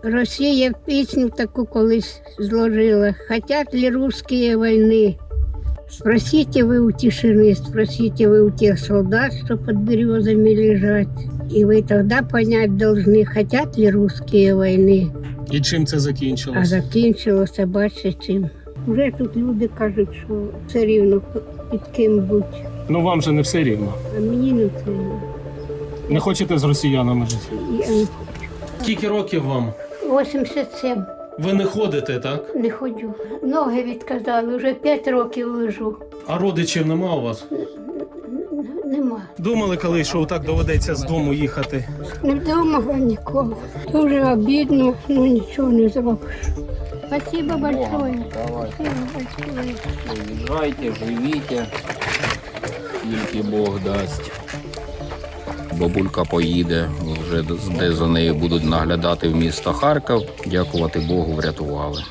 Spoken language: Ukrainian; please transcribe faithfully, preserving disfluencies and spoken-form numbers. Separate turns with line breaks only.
Росія пісню таку колись зложила. Хотят ли русские войны? Спросите вы у тишины, спросите вы у тех солдат, что под березами лежат. И вы тогда понять должны, хотят ли русские войны.
І чим це
А
закінчилось?
закінчилося, бачите, чим. Вже тут люди кажуть, що все рівно під ким бути.
Ну вам же не все рівно.
А мені не все рівно.
Не хочете з росіянами жити?
Я не
Скільки років вам?
вісімдесят сім.
Ви не ходите, так?
Не ходжу. Ноги відказали, вже п'ять років лежу.
А родичів нема у вас?
Нема.
Думали коли, що так доведеться з дому їхати?
Не вдома нікого. Дуже обідно, ну нічого не зробиш. Спасибо большое. Спасибо большое.
Приїжджайте, живіть, тільки Бог дасть. Бабулька поїде, вже де за нею будуть наглядати в місто Харків. Дякувати Богу, врятували.